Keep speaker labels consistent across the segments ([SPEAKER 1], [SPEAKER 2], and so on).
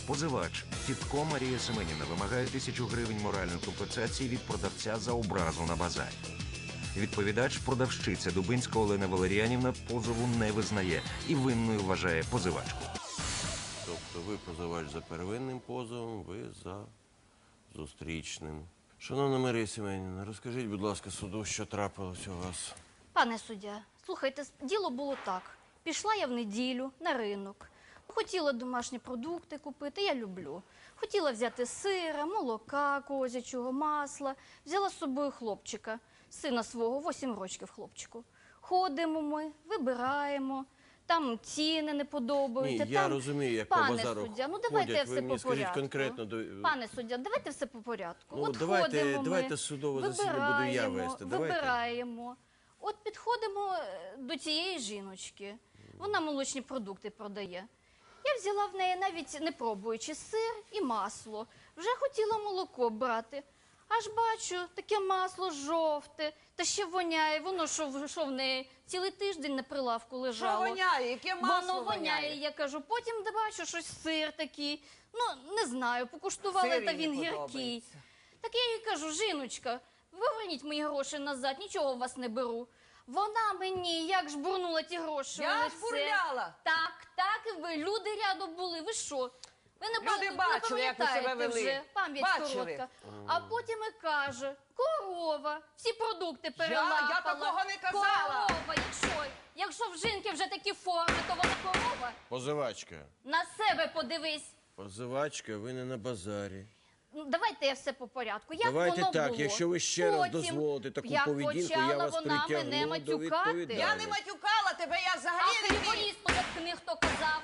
[SPEAKER 1] Позивач Тітко Марія Семенівна вимагає 1000 гривень моральної компенсації від продавця за образу на базарі. Відповідач, продавщиця Дубинська Олена Валеріанівна, позову не визнає і винною вважає позивачку.
[SPEAKER 2] Тобто ви позивач за первинним позовом, ви за зустрічним. Шановна Марія Семенівна, розкажіть, будь ласка, суду, що трапилось у вас?
[SPEAKER 3] Пане суддя, слухайте, діло було так. Пішла я в неділю на ринок. Хотіла домашні продукти купити, я люблю. Хотіла взяти сира, молока козячого, масла. Взяла з собою хлопчика, сина свого, 8 років хлопчику. Ходимо ми, вибираємо, там ціни не подобаються.
[SPEAKER 2] Ні, я розумію, як по базару
[SPEAKER 3] Пане суддя, ну давайте
[SPEAKER 2] ходять.
[SPEAKER 3] все
[SPEAKER 2] Ви мені
[SPEAKER 3] по
[SPEAKER 2] скажіть
[SPEAKER 3] порядку.
[SPEAKER 2] конкретно.
[SPEAKER 3] Пане суддя, давайте все по порядку.
[SPEAKER 2] Ну,
[SPEAKER 3] От
[SPEAKER 2] давайте,
[SPEAKER 3] ходимо ми,
[SPEAKER 2] давайте судове засідання буду я вести. Давайте.
[SPEAKER 3] Вибираємо. От підходимо до цієї жіночки. Вона молочні продукти продає. Я взяла в неї, навіть не пробуючи, сир і масло. Вже хотіла молоко брати. Аж бачу, таке масло жовте, та ще воняє. Воно що в неї цілий тиждень на прилавку лежало.
[SPEAKER 4] Що воняє? Яке масло
[SPEAKER 3] Воно воняє, я кажу. Потім бачу, щось сир такий. Ну, не знаю, покуштувала,
[SPEAKER 4] Сир
[SPEAKER 3] та
[SPEAKER 4] їй
[SPEAKER 3] він
[SPEAKER 4] не
[SPEAKER 3] гіркий.
[SPEAKER 4] подобається.
[SPEAKER 3] Так я їй кажу, жіночка, поверніть мої гроші назад, нічого у вас не беру. Вона мені, як ж бурнула ті гроші у
[SPEAKER 4] Я
[SPEAKER 3] лице.
[SPEAKER 4] ж бурляла.
[SPEAKER 3] Так, і ви, люди рядом були, ви що? Ви не
[SPEAKER 4] бачили, як ви себе
[SPEAKER 3] пам'ятаєте
[SPEAKER 4] вели.
[SPEAKER 3] вже, пам'ять
[SPEAKER 4] Бачили.
[SPEAKER 3] коротка. А потім і каже, корова, всі продукти перелапала.
[SPEAKER 4] Я такого не казала.
[SPEAKER 3] Корова, якщо в жінки вже такі форми, то вона корова.
[SPEAKER 2] Позивачка.
[SPEAKER 3] На себе подивись.
[SPEAKER 2] Позивачка, ви не на базарі.
[SPEAKER 3] Ну, давайте я все по порядку. Як
[SPEAKER 2] Давайте
[SPEAKER 3] воно
[SPEAKER 2] так,
[SPEAKER 3] було?
[SPEAKER 2] якщо ви ще раз
[SPEAKER 3] Потім,
[SPEAKER 2] дозволите таку
[SPEAKER 3] як
[SPEAKER 2] поведінку, я
[SPEAKER 3] почала
[SPEAKER 2] вас
[SPEAKER 3] вона
[SPEAKER 2] притягну
[SPEAKER 3] мене
[SPEAKER 2] до
[SPEAKER 3] матюкати.
[SPEAKER 2] відповідальності.
[SPEAKER 4] Я не матюкала тебе, я
[SPEAKER 3] А
[SPEAKER 4] взагалі не вмію.
[SPEAKER 3] хліборізку заткни, хто казав.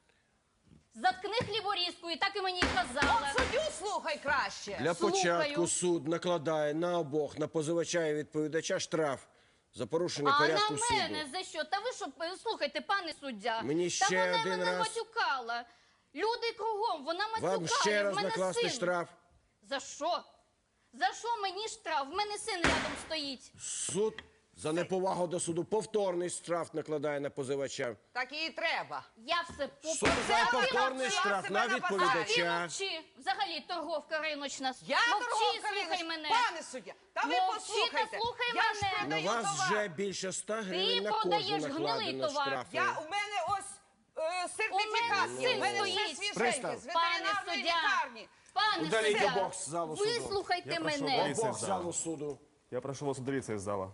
[SPEAKER 3] Заткни хліборізку, і так і мені казала.
[SPEAKER 4] От суддю слухай краще.
[SPEAKER 2] Для
[SPEAKER 3] Слухаю.
[SPEAKER 2] початку суд накладає на обох, на позивача і відповідача, штраф за порушення
[SPEAKER 3] А на
[SPEAKER 2] порядку суду.
[SPEAKER 3] мене за що? Та ви що, слухайте, пане суддя,
[SPEAKER 2] Мені
[SPEAKER 3] та
[SPEAKER 2] ще
[SPEAKER 3] вона
[SPEAKER 2] один
[SPEAKER 3] мене
[SPEAKER 2] раз.
[SPEAKER 3] матюкала. Люди кругом, вона матюкає,
[SPEAKER 2] Вам ще раз
[SPEAKER 3] в мене
[SPEAKER 2] накласти
[SPEAKER 3] син.
[SPEAKER 2] штраф.
[SPEAKER 3] За що? За що мені штраф? В мене син рядом стоїть.
[SPEAKER 2] Суд за неповагу до суду повторний штраф накладає на позивача.
[SPEAKER 4] Так і треба.
[SPEAKER 3] Я все
[SPEAKER 2] Суд за повторний
[SPEAKER 4] навчила
[SPEAKER 2] штраф
[SPEAKER 4] себе
[SPEAKER 2] на
[SPEAKER 4] на
[SPEAKER 3] Ти
[SPEAKER 2] відповідача.
[SPEAKER 3] мовчи. Взагалі торговка риночна.
[SPEAKER 4] Я
[SPEAKER 3] Мовчи,
[SPEAKER 4] торговка
[SPEAKER 3] слухай
[SPEAKER 4] риночна.
[SPEAKER 3] мене.
[SPEAKER 4] Пане суддя, та ви
[SPEAKER 3] Мовчи
[SPEAKER 4] послухайте.
[SPEAKER 3] та слухай
[SPEAKER 4] Я ж
[SPEAKER 3] мене.
[SPEAKER 2] На
[SPEAKER 4] продаю
[SPEAKER 2] вас
[SPEAKER 4] товар.
[SPEAKER 2] вже більше 100 гривень на кожу
[SPEAKER 3] продаєш гнилий
[SPEAKER 2] накладено
[SPEAKER 3] товар.
[SPEAKER 2] штрафи.
[SPEAKER 4] У мене ось сертифікат.
[SPEAKER 3] У мене син
[SPEAKER 4] У мене все
[SPEAKER 3] стоїть.
[SPEAKER 4] свіженьке
[SPEAKER 1] Пристав.
[SPEAKER 4] з ветеринарної лікарні.
[SPEAKER 3] Пане
[SPEAKER 1] Удаліть
[SPEAKER 3] суддя,
[SPEAKER 1] обох з залу суду.
[SPEAKER 3] вислухайте
[SPEAKER 5] Я прошу
[SPEAKER 3] мене.
[SPEAKER 5] удалити.
[SPEAKER 2] Обох з залу суду.
[SPEAKER 5] Я прошу вас удалиться из зала.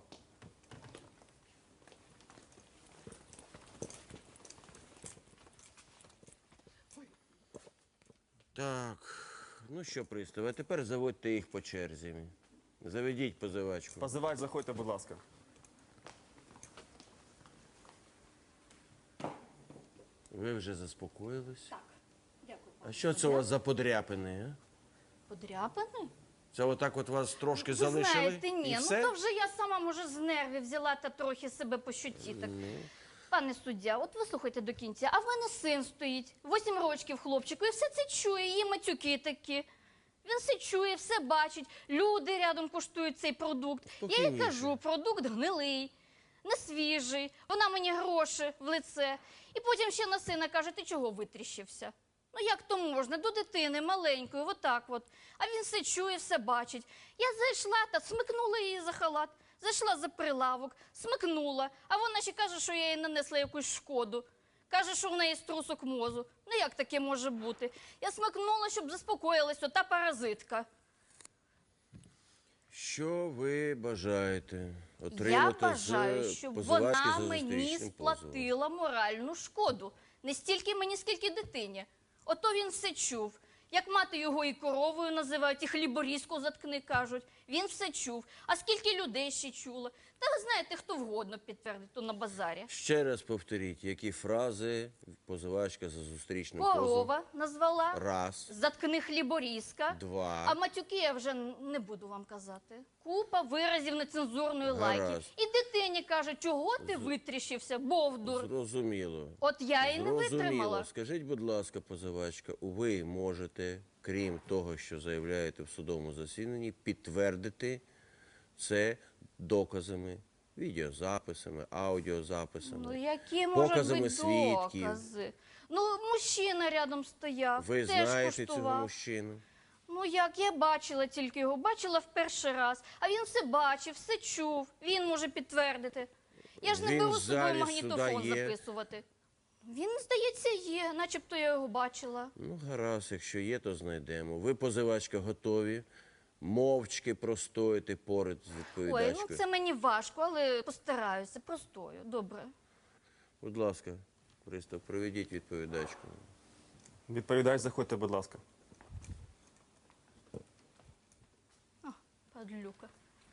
[SPEAKER 2] Так, ну що, пристав, а тепер заводьте їх по черзі. Заведіть позивачку.
[SPEAKER 5] Позивач, заходьте, будь ласка.
[SPEAKER 2] Ви вже заспокоїлись?
[SPEAKER 3] Так, дякую.
[SPEAKER 2] А що це у вас за подряпини, а?
[SPEAKER 3] Подряпаний?
[SPEAKER 2] Це отак от вас трошки
[SPEAKER 3] Ви
[SPEAKER 2] залишили?
[SPEAKER 3] знаєте, ні,
[SPEAKER 2] І
[SPEAKER 3] ну
[SPEAKER 2] все?
[SPEAKER 3] то вже я сама, може, з нервів взяла та трохи себе по щуці. Так. Пане суддя, от ви слухайте до кінця, а в мене син стоїть, 8 років хлопчику, і все це чує, її матюки такі. Він все чує, все бачить, люди рядом куштують цей продукт. Я їй
[SPEAKER 2] Спокійніше.
[SPEAKER 3] кажу, продукт гнилий, не свіжий, вона мені гроші в лице. І потім ще на сина каже, ти чого витріщився? Ну як то можна, до дитини маленької, отак от. А він все чує, все бачить. Я зайшла та смикнула її за халат, зайшла за прилавок, смикнула, а вона ще каже, що я їй нанесла якусь шкоду. Каже, що в неї струсок мозу. Ну як таке може бути? Я смикнула, щоб заспокоїлась ота паразитка.
[SPEAKER 2] Що ви бажаєте
[SPEAKER 3] Я
[SPEAKER 2] отримати
[SPEAKER 3] бажаю,
[SPEAKER 2] з
[SPEAKER 3] щоб
[SPEAKER 2] позивачки
[SPEAKER 3] вона
[SPEAKER 2] за
[SPEAKER 3] мені
[SPEAKER 2] зустрічним позовом?
[SPEAKER 3] сплатила моральну шкоду. Не стільки мені, скільки дитині. Ото він все чув. Як мати його і коровою називають, і хліборізку заткни, кажуть. Він все чув. А скільки людей ще чуло? Та ви знаєте, хто вгодно підтвердить, то на базарі.
[SPEAKER 2] Ще раз повторіть, які фрази позивачка за зустрічним позовом?
[SPEAKER 3] Корова назвала.
[SPEAKER 2] Раз.
[SPEAKER 3] Заткни хліборізка.
[SPEAKER 2] Два.
[SPEAKER 3] А матюки я вже не буду вам казати. Купа виразів нецензурної лайки.
[SPEAKER 2] Гаразд.
[SPEAKER 3] І дитині каже, чого ти витріщився, бовдур.
[SPEAKER 2] Зрозуміло.
[SPEAKER 3] От я і не витримала.
[SPEAKER 2] Скажіть, будь ласка, позивачка, ви можете, крім того, що заявляєте в судовому засіданні, підтвердити це доказами, відеозаписами, аудіозаписами.
[SPEAKER 3] Ну, які можуть
[SPEAKER 2] показами
[SPEAKER 3] бути
[SPEAKER 2] свідків.
[SPEAKER 3] докази? Ну, мужчина рядом стояв,
[SPEAKER 2] Ви
[SPEAKER 3] теж
[SPEAKER 2] знаєте цього
[SPEAKER 3] куштував.
[SPEAKER 2] мужчину?
[SPEAKER 3] Ну як, я бачила тільки його, бачила в перший раз. А він все бачив, все чув, він може підтвердити. Я ж не
[SPEAKER 2] Він
[SPEAKER 3] беру
[SPEAKER 2] в
[SPEAKER 3] з собою
[SPEAKER 2] залі
[SPEAKER 3] магнітофон
[SPEAKER 2] суда є?
[SPEAKER 3] записувати. Він, здається, є, начебто я його бачила.
[SPEAKER 2] Ну, гаразд, якщо є, то знайдемо. Ви, позивачка, готові мовчки простояти поряд з
[SPEAKER 3] Ой,
[SPEAKER 2] відповідачкою?
[SPEAKER 3] ну це мені важко, але постараюся, простою, добре.
[SPEAKER 2] Будь ласка, пристав, проведіть відповідачку.
[SPEAKER 5] Відповідач, заходьте, будь ласка.
[SPEAKER 3] Падлюка.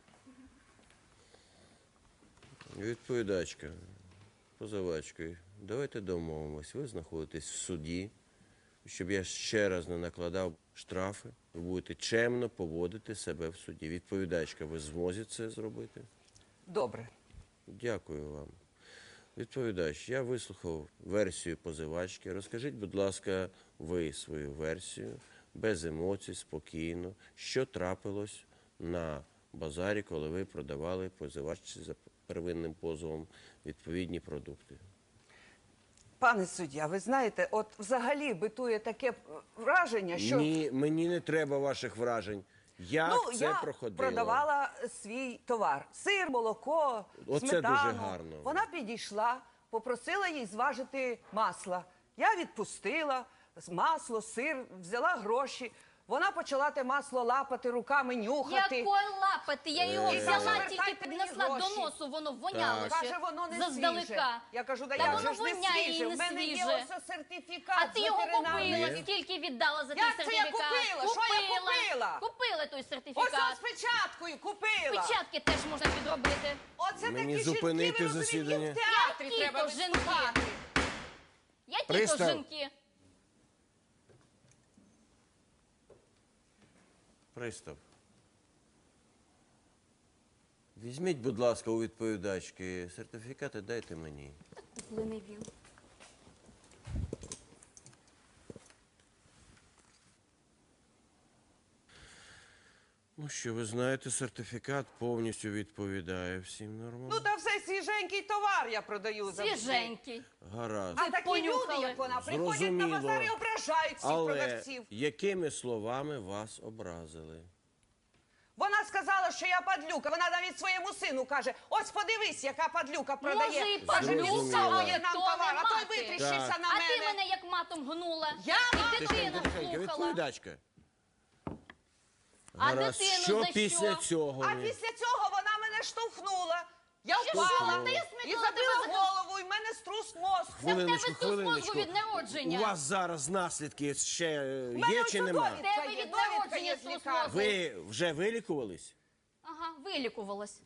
[SPEAKER 2] Відповідачка, позивачкою, давайте домовимось. Ви знаходитесь в суді, щоб я ще раз не накладав штрафи. Ви будете чемно поводити себе в суді. Відповідачка, ви в змозі це зробити?
[SPEAKER 4] Добре.
[SPEAKER 2] Дякую вам. Відповідач, я вислухав версію позивачки. Розкажіть, будь ласка, ви свою версію, без емоцій, спокійно, що трапилось на базарі, коли ви продавали позивачці за первинним позовом відповідні продукти.
[SPEAKER 4] Пане суддя, ви знаєте, от взагалі битує таке враження, що
[SPEAKER 2] Ні, мені не треба ваших вражень. Як це
[SPEAKER 4] я
[SPEAKER 2] проходило?
[SPEAKER 4] продавала свій товар. Сир, молоко,
[SPEAKER 2] Оце
[SPEAKER 4] сметану.
[SPEAKER 2] дуже гарно.
[SPEAKER 4] Вона підійшла, попросила їй зважити масло. Я відпустила масло, сир, взяла гроші. Вона почала те масло лапати, руками нюхати.
[SPEAKER 3] Якої лапати? Я його
[SPEAKER 4] І
[SPEAKER 3] взяла,
[SPEAKER 4] каже,
[SPEAKER 3] тільки
[SPEAKER 4] «Вертайте мені
[SPEAKER 3] піднесла до
[SPEAKER 4] гроші».
[SPEAKER 3] носу, воно воняло
[SPEAKER 2] Так.
[SPEAKER 3] ще.
[SPEAKER 4] Каже, воно не
[SPEAKER 3] заздалека.
[SPEAKER 4] свіже. Я кажу, да
[SPEAKER 3] Та
[SPEAKER 4] як
[SPEAKER 3] воно
[SPEAKER 4] же ж не
[SPEAKER 3] воняє і
[SPEAKER 4] свіже?
[SPEAKER 3] не
[SPEAKER 4] В мене є
[SPEAKER 3] свіже.
[SPEAKER 4] ось сертифікат
[SPEAKER 3] А ти
[SPEAKER 4] з
[SPEAKER 3] його
[SPEAKER 4] ветеринарної.
[SPEAKER 3] купила, скільки віддала за той
[SPEAKER 4] Як це я
[SPEAKER 3] сертифікат?
[SPEAKER 4] купила? Що я купила?
[SPEAKER 3] Купила той
[SPEAKER 4] Ось
[SPEAKER 3] сертифікат.
[SPEAKER 4] з печаткою купила.
[SPEAKER 3] Печатки теж можна підробити.
[SPEAKER 4] Оце
[SPEAKER 2] Мені
[SPEAKER 4] такі
[SPEAKER 2] зупинити
[SPEAKER 4] жінки, ви розумієте,
[SPEAKER 2] засідання?
[SPEAKER 4] їм в театрі
[SPEAKER 3] Які
[SPEAKER 4] треба
[SPEAKER 3] то жінки?
[SPEAKER 4] виступати.
[SPEAKER 3] Які то
[SPEAKER 2] Пристав.
[SPEAKER 3] жінки?
[SPEAKER 2] Пристав. Візьміть, будь ласка, у відповідачки сертифікати, дайте мені.
[SPEAKER 3] Куплений він.
[SPEAKER 2] Ну що, ви знаєте, сертифікат повністю відповідає всім нормам.
[SPEAKER 4] Ну та все свіженький товар я продаю завжди.
[SPEAKER 3] Свіженький.
[SPEAKER 2] Гаразд.
[SPEAKER 4] А такі
[SPEAKER 3] понюхали.
[SPEAKER 4] люди, як вона, приходять на
[SPEAKER 2] Зрозуміло.
[SPEAKER 4] базар і ображають всіх
[SPEAKER 2] Але
[SPEAKER 4] продавців.
[SPEAKER 2] якими словами вас образили?
[SPEAKER 4] Вона сказала, що я падлюка. Вона навіть своєму сину каже: ось подивись, яка падлюка продає.
[SPEAKER 3] Може, і
[SPEAKER 4] Каже,
[SPEAKER 3] падлюка,
[SPEAKER 2] Зрозуміло.
[SPEAKER 4] «Відсовує
[SPEAKER 3] але
[SPEAKER 4] нам
[SPEAKER 3] то
[SPEAKER 4] товар,
[SPEAKER 3] не
[SPEAKER 4] а той
[SPEAKER 3] мати.
[SPEAKER 4] витріщився
[SPEAKER 2] Так.
[SPEAKER 4] на
[SPEAKER 3] А
[SPEAKER 4] мене.
[SPEAKER 3] ти мене як матом гнула.
[SPEAKER 4] Я
[SPEAKER 3] І
[SPEAKER 4] матом?
[SPEAKER 3] дитину
[SPEAKER 2] Тихенько,
[SPEAKER 3] слухала.
[SPEAKER 2] відповідачка.
[SPEAKER 3] А
[SPEAKER 2] Гаразд.
[SPEAKER 3] дитину
[SPEAKER 2] Що
[SPEAKER 3] за
[SPEAKER 2] після
[SPEAKER 3] що?
[SPEAKER 2] цього?
[SPEAKER 4] А
[SPEAKER 2] ви?
[SPEAKER 4] після цього вона мене штовхнула. Я
[SPEAKER 3] Штовхнула?
[SPEAKER 4] впала
[SPEAKER 3] Та я
[SPEAKER 4] і
[SPEAKER 3] смикнула
[SPEAKER 4] забила
[SPEAKER 3] тебе за-
[SPEAKER 4] голову, і в мене струс мозку.
[SPEAKER 3] Та в тебе
[SPEAKER 2] Хвилиночку,
[SPEAKER 3] тут мозку
[SPEAKER 2] хвилиночку.
[SPEAKER 3] від народження.
[SPEAKER 2] У вас зараз наслідки ще
[SPEAKER 4] мене
[SPEAKER 2] є
[SPEAKER 4] ось
[SPEAKER 2] чи
[SPEAKER 4] тут
[SPEAKER 2] нема?
[SPEAKER 4] довідка
[SPEAKER 3] Тебе
[SPEAKER 4] є,
[SPEAKER 3] від
[SPEAKER 4] довідка
[SPEAKER 3] народження
[SPEAKER 4] є з
[SPEAKER 3] струс
[SPEAKER 4] лікарні.
[SPEAKER 3] мозку.
[SPEAKER 2] Ви вже вилікувались?
[SPEAKER 3] Ага, вилікувалась.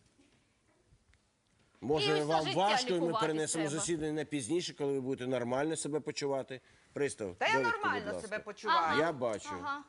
[SPEAKER 3] І
[SPEAKER 2] Може,
[SPEAKER 3] все
[SPEAKER 2] вам
[SPEAKER 3] життя
[SPEAKER 2] важко, і ми
[SPEAKER 3] лікуватись
[SPEAKER 2] перенесемо
[SPEAKER 3] треба.
[SPEAKER 2] засідання на пізніше, коли ви будете нормально себе почувати? Пристав,
[SPEAKER 4] Та я
[SPEAKER 2] довідку, будь
[SPEAKER 4] нормально
[SPEAKER 2] ласка.
[SPEAKER 4] себе почуваю.
[SPEAKER 2] Я бачу.
[SPEAKER 3] Ага.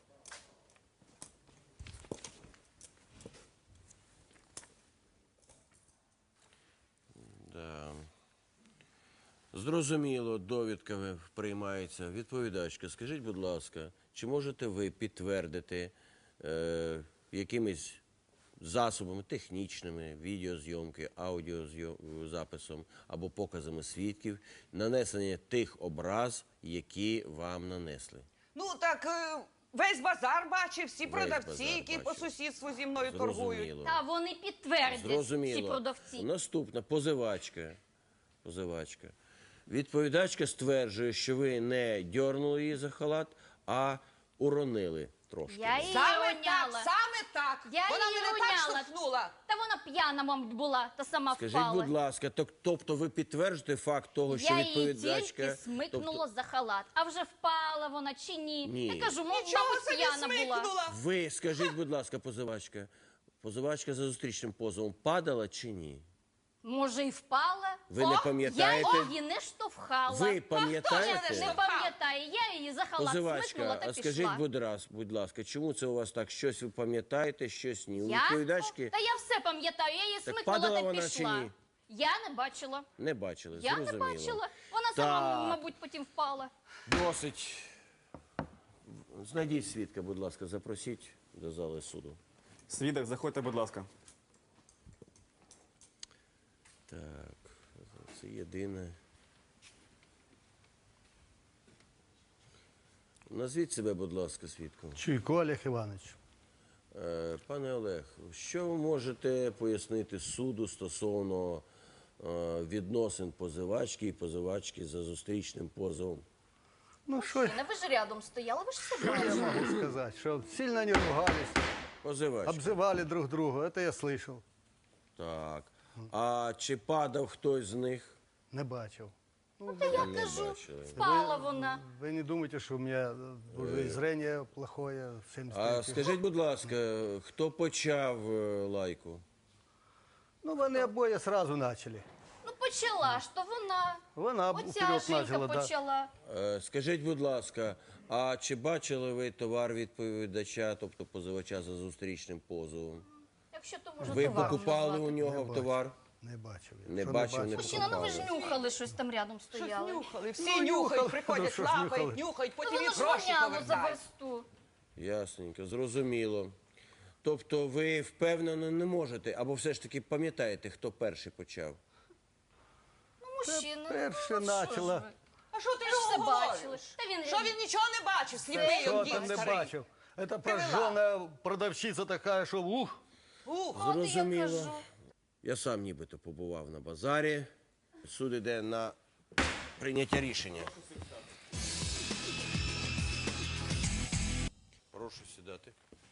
[SPEAKER 2] Да. Зрозуміло, довідка приймається. Відповідачка, скажіть, будь ласка, чи можете ви підтвердити якимись засобами технічними, відеозйомки, аудіозаписом або показами свідків нанесення тих образ, які вам нанесли?
[SPEAKER 4] Ну так весь базар бачив, всі продавці,
[SPEAKER 2] базар
[SPEAKER 4] які по
[SPEAKER 2] бачив.
[SPEAKER 4] сусідству зі мною торгують.
[SPEAKER 2] Зрозуміло.
[SPEAKER 3] Та вони підтвердять, ці
[SPEAKER 2] Зрозуміло.
[SPEAKER 3] продавці.
[SPEAKER 2] Наступна позивачка. Відповідачка стверджує, що ви не дьорнули її за халат, а уронили трошки.
[SPEAKER 3] Я її
[SPEAKER 4] Саме
[SPEAKER 3] роняла.
[SPEAKER 4] так, саме так.
[SPEAKER 3] Я
[SPEAKER 4] Вона
[SPEAKER 3] її
[SPEAKER 4] мене так
[SPEAKER 3] роняла.
[SPEAKER 4] штовхнула.
[SPEAKER 3] Та вона п'яна, мабуть, була, та сама
[SPEAKER 2] Скажіть,
[SPEAKER 3] впала.
[SPEAKER 2] будь ласка, тобто ви підтверджуєте факт того, що
[SPEAKER 3] Я її
[SPEAKER 2] відповідачка...
[SPEAKER 3] тільки смикнула за халат. А вже впала вона чи ні?
[SPEAKER 2] Ні.
[SPEAKER 3] Я кажу,
[SPEAKER 4] Нічого
[SPEAKER 3] мабуть,
[SPEAKER 4] собі
[SPEAKER 3] п'яна була.
[SPEAKER 4] смикнула.
[SPEAKER 2] Ви, скажіть, будь ласка, позивачка за зустрічним позовом падала чи ні?
[SPEAKER 3] Може, і впала?
[SPEAKER 2] Ви не пам'ятаєте?
[SPEAKER 3] Я її не штовхала.
[SPEAKER 2] Ви пам'ятаєте?
[SPEAKER 3] Хто ж не пам'ятає? Я її за халат смикнула
[SPEAKER 2] Позивачка,
[SPEAKER 3] та
[SPEAKER 2] а
[SPEAKER 3] пішла.
[SPEAKER 2] скажіть, будь ласка, чому це у вас так? Щось ви пам'ятаєте, щось ні? У
[SPEAKER 3] Я?
[SPEAKER 2] відповідачки
[SPEAKER 3] Та я все пам'ятаю, я її
[SPEAKER 2] Так
[SPEAKER 3] смикнула
[SPEAKER 2] падала
[SPEAKER 3] та
[SPEAKER 2] вона
[SPEAKER 3] пішла.
[SPEAKER 2] чи ні?
[SPEAKER 3] Я не бачила.
[SPEAKER 2] не бачили,
[SPEAKER 3] Я
[SPEAKER 2] зрозуміло.
[SPEAKER 3] не бачила. Вона сама,
[SPEAKER 2] Так.
[SPEAKER 3] мабуть, потім впала.
[SPEAKER 2] Досить. Знайдіть свідка, будь ласка, запросіть до зали суду.
[SPEAKER 5] Свідок, заходьте, будь ласка.
[SPEAKER 2] Так, це єдине. Назвіть себе, будь ласка, свідком.
[SPEAKER 6] Чуйко Олег Іванович.
[SPEAKER 2] Пане Олег, що ви можете пояснити суду стосовно відносин позивачки і позивачки за зустрічним позовом?
[SPEAKER 6] Ну, що
[SPEAKER 3] Мужчина, ви ж рядом стояли, ви ж все
[SPEAKER 6] я
[SPEAKER 3] бачили.
[SPEAKER 6] могу сказать? Что сильно не ругались,
[SPEAKER 2] Позивачка.
[SPEAKER 6] обзывали друг друга. Это я слышал.
[SPEAKER 2] Так. А чи падав хтось з них?
[SPEAKER 6] Не бачив.
[SPEAKER 3] Та я
[SPEAKER 2] Не
[SPEAKER 3] кажу,
[SPEAKER 2] бачили.
[SPEAKER 3] спала вона.
[SPEAKER 6] Ви не думайте, що у мене уже і зрення плохое.
[SPEAKER 2] А
[SPEAKER 6] 73.
[SPEAKER 2] скажіть, будь ласка, хто почав лайку?
[SPEAKER 6] Ну, вони обоє сразу почали.
[SPEAKER 3] Ну почала ж то вона.
[SPEAKER 6] Вона
[SPEAKER 3] Оця
[SPEAKER 6] вперед
[SPEAKER 3] жінка
[SPEAKER 6] почала, да.
[SPEAKER 3] почала.
[SPEAKER 2] Скажіть, будь ласка, а чи бачили ви товар відповідача, тобто позивача за зустрічним позовом?
[SPEAKER 3] Якщо то можна
[SPEAKER 2] Ви
[SPEAKER 3] товаром
[SPEAKER 2] покупали
[SPEAKER 3] назвати.
[SPEAKER 2] у нього
[SPEAKER 6] бачив.
[SPEAKER 2] товар?
[SPEAKER 6] Не бачив. я.
[SPEAKER 2] Не
[SPEAKER 6] Що
[SPEAKER 2] бачив, не
[SPEAKER 3] Мужчина, ну ви ж
[SPEAKER 2] покупали.
[SPEAKER 3] нюхали щось там рядом
[SPEAKER 4] Щось
[SPEAKER 3] стояли.
[SPEAKER 4] нюхали, всі
[SPEAKER 6] Ну,
[SPEAKER 4] нюхають,
[SPEAKER 6] нюхали.
[SPEAKER 4] приходять,
[SPEAKER 6] Ну, що ж
[SPEAKER 4] лапають,
[SPEAKER 6] нюхали?
[SPEAKER 4] нюхають,
[SPEAKER 3] Ну
[SPEAKER 4] потім
[SPEAKER 3] воно
[SPEAKER 4] їм
[SPEAKER 3] ж
[SPEAKER 4] гроші
[SPEAKER 3] воняло за
[SPEAKER 4] повертають.
[SPEAKER 3] версту.
[SPEAKER 2] Ясненько, зрозуміло. Тобто ви впевнено не можете, або все ж таки пам'ятаєте, хто перший почав?
[SPEAKER 3] Ну, мужчина,
[SPEAKER 6] перше
[SPEAKER 3] ну, що ж
[SPEAKER 6] начала.
[SPEAKER 3] ви?
[SPEAKER 4] А що ти
[SPEAKER 3] Ви ж все
[SPEAKER 4] його
[SPEAKER 3] бачили.
[SPEAKER 4] говориш?
[SPEAKER 3] Та він
[SPEAKER 4] Що він нічого не бачив, сліпий
[SPEAKER 6] Що
[SPEAKER 4] он
[SPEAKER 6] там
[SPEAKER 4] дід
[SPEAKER 6] не
[SPEAKER 4] старий.
[SPEAKER 6] бачив? Это
[SPEAKER 4] Привела.
[SPEAKER 6] прожжена продавщиця така, що ух.
[SPEAKER 4] Ух,
[SPEAKER 3] От і я
[SPEAKER 2] Зрозуміло.
[SPEAKER 3] кажу.
[SPEAKER 2] Я сам нібито побував на базарі. Суд іде на прийняття рішення. Прошу сідати.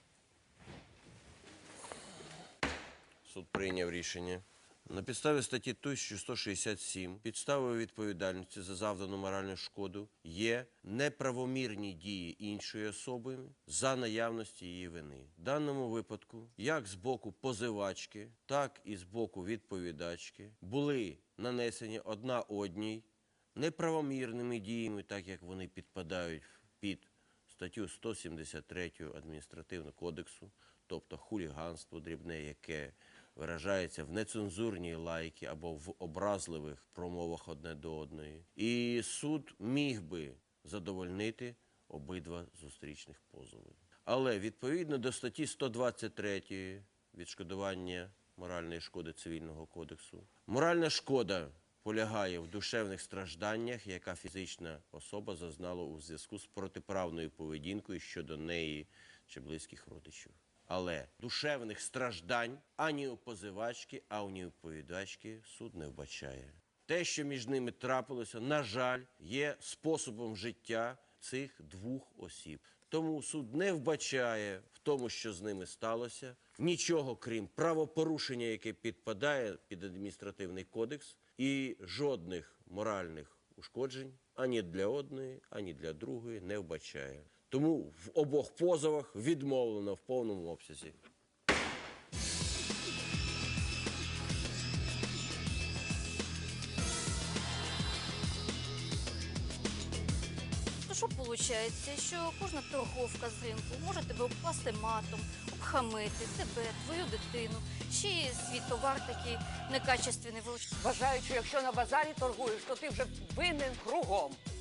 [SPEAKER 2] Суд прийняв рішення. На підставі статті 1167 підставою відповідальності за завдану моральну шкоду є неправомірні дії іншої особи за наявності її вини. В даному випадку, як з боку позивачки, так і з боку відповідачки були нанесені одна одній неправомірними діями, так як вони підпадають під статтю 173 Адміністративного кодексу, тобто хуліганство дрібне, яке виражається в нецензурній лайці або в образливих промовах одне до одної. І суд міг би задовольнити обидва зустрічних позови. Але відповідно до статті 123 відшкодування моральної шкоди Цивільного кодексу, моральна шкода полягає в душевних стражданнях, яка фізична особа зазнала у зв'язку з протиправною поведінкою щодо неї чи близьких родичів. Але душевних страждань ані у позивачки, ані у відповідачки суд не вбачає. Те, що між ними трапилося, на жаль, є способом життя цих двох осіб. Тому суд не вбачає в тому, що з ними сталося, нічого крім правопорушення, яке підпадає під адміністративний кодекс, і жодних моральних ушкоджень ані для одної, ані для другої не вбачає. Тому в обох позовах відмовлено в повному обсязі.
[SPEAKER 3] То що виходить, що кожна торговка з ринку може тебе обкласти матом, обхамити тебе, твою дитину, ще й свій товар такий некачественний вилучити.
[SPEAKER 4] Вважаю, що якщо на базарі торгуєш, то ти вже винен кругом.